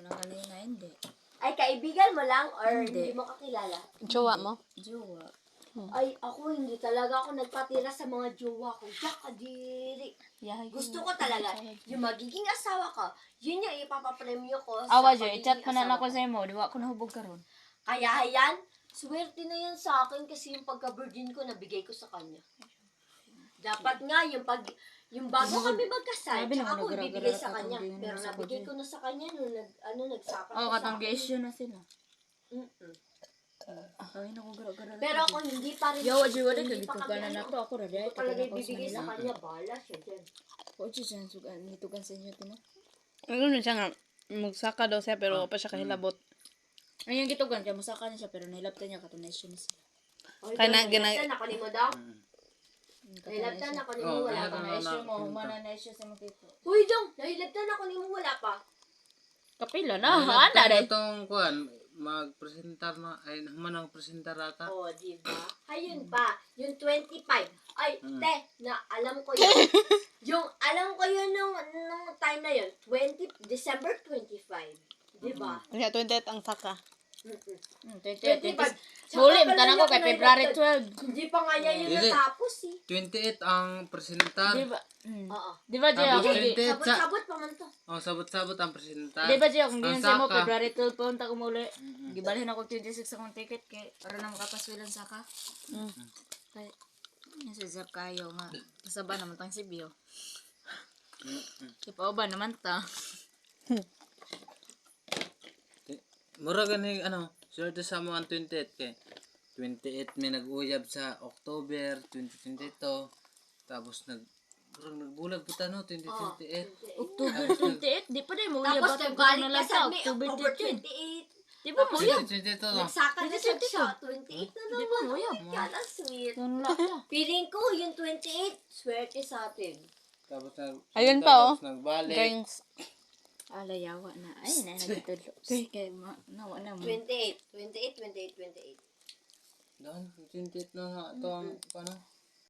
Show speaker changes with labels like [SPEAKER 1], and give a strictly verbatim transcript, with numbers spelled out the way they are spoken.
[SPEAKER 1] ko na kanina, hindi.
[SPEAKER 2] Ay, kaibigan mo lang or
[SPEAKER 1] Hindi.
[SPEAKER 2] hindi mo kakilala?
[SPEAKER 3] Jowa mo?
[SPEAKER 1] Jowa.
[SPEAKER 2] Ay, ako hindi talaga ako nagpatira sa mga jowa ko. Yakadiri.
[SPEAKER 1] Yahay ko.
[SPEAKER 2] Gusto ko talaga, yung magiging asawa ko, yun yung ipapapremyo ko sa
[SPEAKER 1] Awa, Jo,
[SPEAKER 2] pagiging
[SPEAKER 1] i-chat ko na
[SPEAKER 2] asawa
[SPEAKER 1] ako sa imo. Di ba ako nahubog karon.
[SPEAKER 2] Kaya yan, swerte na yan sa akin kasi yung pagka-virgin ko, nabigay ko sa kanya. Dapat nga, yung pag yung bago kami magkasal,
[SPEAKER 1] Sabi
[SPEAKER 2] tsaka
[SPEAKER 1] naman,
[SPEAKER 2] ako
[SPEAKER 1] nagara-gara
[SPEAKER 2] ibibigay sa
[SPEAKER 1] ka
[SPEAKER 2] kanya.
[SPEAKER 1] kung di
[SPEAKER 2] Pero
[SPEAKER 1] mo
[SPEAKER 2] nabigay
[SPEAKER 1] sagot
[SPEAKER 2] ko na sa kanya nung nag, ano, nagsaka
[SPEAKER 1] Oo,
[SPEAKER 2] siya sa
[SPEAKER 1] katang
[SPEAKER 2] akin.
[SPEAKER 1] issue na sila.
[SPEAKER 2] Mm-mm.
[SPEAKER 1] Ay, naku, gara-gara.
[SPEAKER 2] Pero ako hindi pa rin.
[SPEAKER 1] Yawa, Jo, wala ka.
[SPEAKER 2] hindi
[SPEAKER 1] Dito
[SPEAKER 2] pa
[SPEAKER 1] ka
[SPEAKER 2] kami
[SPEAKER 1] na
[SPEAKER 2] ano,
[SPEAKER 1] nato. Ako,
[SPEAKER 2] Hindi
[SPEAKER 1] raday.
[SPEAKER 2] ko talaga
[SPEAKER 1] Talaga
[SPEAKER 2] ibibigay sa kanya. Bahala siya dyan.
[SPEAKER 1] O, Jo, siya, sugan. Dito ka sa inyo, tino.
[SPEAKER 3] Ano na siya nga, magsaka daw siya pero pa siya kahilabot.
[SPEAKER 1] Ayun, gitugan siya. Musaka na siya, pero nahilaptan niya. Katunasyon na siya.
[SPEAKER 2] Oy,
[SPEAKER 3] Kaya na-
[SPEAKER 2] gina...
[SPEAKER 3] gina-
[SPEAKER 2] Ako ni mo daw.
[SPEAKER 1] Mm,
[SPEAKER 2] Nahilabtan ako ni mo,
[SPEAKER 4] Oh,
[SPEAKER 2] wala
[SPEAKER 4] kaya
[SPEAKER 2] pa.
[SPEAKER 4] na-
[SPEAKER 1] Na-issue mo.
[SPEAKER 4] na-
[SPEAKER 1] Humana na-issue sa mga tito.
[SPEAKER 2] Uy, Dong! Nahilabtan ako ni mo, wala pa.
[SPEAKER 1] Kapila na. Ana, day.
[SPEAKER 4] Itong kuan, mag-presentar na, ay naman ang presentar ata.
[SPEAKER 2] Oh, di ba? Ayun pa, yung twenty-five. Ay,
[SPEAKER 4] Mm.
[SPEAKER 2] te, na alam ko yun. yung, alam ko yun nung, nung time na yun. twenty, December twenty-five. Di ba?
[SPEAKER 3] Kaya twenty-eight ang saka.
[SPEAKER 2] Mm-mm.
[SPEAKER 1] Hmm, twenty,
[SPEAKER 2] twenty-five.
[SPEAKER 1] twenty. Huli,
[SPEAKER 2] Tsaka
[SPEAKER 1] matanan
[SPEAKER 2] pala
[SPEAKER 1] ko kay
[SPEAKER 2] niya
[SPEAKER 1] February
[SPEAKER 2] nahilabtan.
[SPEAKER 1] twelve.
[SPEAKER 2] Hindi pa nga niya yun
[SPEAKER 4] Dili.
[SPEAKER 2] natapos eh.
[SPEAKER 4] twenty-eight ang presentar.
[SPEAKER 1] Di ba? Mm.
[SPEAKER 2] Oo.
[SPEAKER 1] Di ba, Jay?
[SPEAKER 4] Tapos
[SPEAKER 1] Ako,
[SPEAKER 4] twenty.
[SPEAKER 1] di-
[SPEAKER 4] Sa-
[SPEAKER 2] Sabot-sabot pa man to.
[SPEAKER 4] Oh, sabot-sabot ang presentar.
[SPEAKER 1] di ba, Jay? Kung
[SPEAKER 4] Ang
[SPEAKER 1] ginsan mo,
[SPEAKER 4] saka.
[SPEAKER 1] February twelve pa unta kumuli. Gibalhin ako twenty-six akong ticket kay para na makapaswilan sa ka.
[SPEAKER 3] Mm.
[SPEAKER 1] Kay, yan si Zap kayo nga. Kasaba naman tang si Bio. Ipao ba naman ta?
[SPEAKER 4] Mura gani, ano, swerte sa mga twenty-eight kay. twenty-eight may nag-uyab sa October twenty twenty-two. Tapos nag murag nagbulag puta no twenty twenty-eight.
[SPEAKER 1] October twenty-eight? Di pa din mo
[SPEAKER 2] Tapos
[SPEAKER 1] uyab
[SPEAKER 2] nagbalik
[SPEAKER 1] na
[SPEAKER 2] ka
[SPEAKER 1] lang
[SPEAKER 2] sa
[SPEAKER 1] sa
[SPEAKER 2] May,
[SPEAKER 1] October
[SPEAKER 2] October
[SPEAKER 1] thirteen.
[SPEAKER 2] twenty-eight.
[SPEAKER 1] Di ba mo uyab?
[SPEAKER 4] twenty twenty-two no.
[SPEAKER 2] Nagsaka na siya siya. twenty-eight na
[SPEAKER 1] Di ba
[SPEAKER 2] naman.
[SPEAKER 1] mo uyab?
[SPEAKER 2] Kala sweet.
[SPEAKER 1] Yan lang ta.
[SPEAKER 2] Feeling ko yung twenty-eight, swerte sa atin.
[SPEAKER 4] Tapos nag
[SPEAKER 3] Ayun pa, oh.
[SPEAKER 4] tapos nagbalik.
[SPEAKER 3] Drinks.
[SPEAKER 1] Alayawa na. Ay, na nagtulog. Kay ma nawa na mo.
[SPEAKER 2] twenty-eight, twenty-eight, twenty-eight, twenty-eight.
[SPEAKER 4] Doon, twenty-eight na nga ito ang, ano,